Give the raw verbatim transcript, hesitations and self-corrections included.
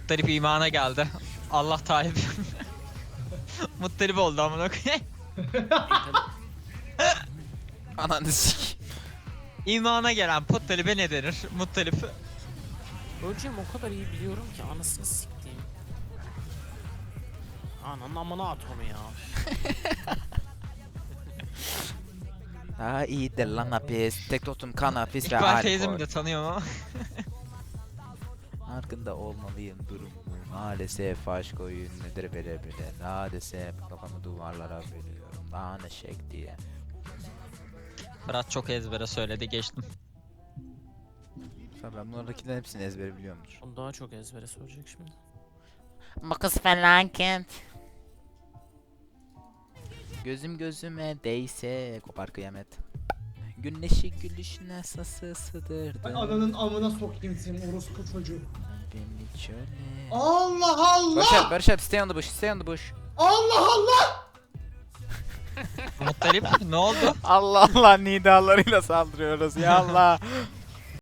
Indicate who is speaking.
Speaker 1: Muttalip imana geldi. Allah Talip. Muttalip oldu amına koyayım.
Speaker 2: Ananı sik.
Speaker 1: İmana gelen Muttalip'e ne denir? Muttalip.
Speaker 3: Öleceğim o kadar iyi biliyorum ki anasını siktiğim. Ananın amına at onu ya.
Speaker 2: Daha iyidir lan hapis. Tek totum kan hapis ve
Speaker 1: İkbal teyzemi
Speaker 2: alkol.
Speaker 1: de tanıyorum ama.
Speaker 2: Farkında olmalıyım durumu. Maalesef aşk oyun nedir bile bile. Maalesef kafamı duvarlara veriyorum. Daha ne şek diye.
Speaker 1: Fırat çok ezbere söyledi, geçtim.
Speaker 2: Tabii ben bunlardakilerin hepsini ezbere biliyorumdur.
Speaker 3: Onu daha çok ezbere soracak şimdi.
Speaker 2: Makas felaket. Gözüm gözüme değse kopar kıyamet. Güneşi gülüşüne sası sığdırdı.
Speaker 4: Ay ananın amına sokayım senin orospu çocuğu.
Speaker 2: Beni çöle.
Speaker 4: Allah Allah!
Speaker 2: Barış abi, Barış abi, stay on the bush, stay on the bush.
Speaker 4: Allah Allah!
Speaker 1: Muttalip ne oldu?
Speaker 2: Allah Allah nidalarıyla saldırıyoruz ya Allah.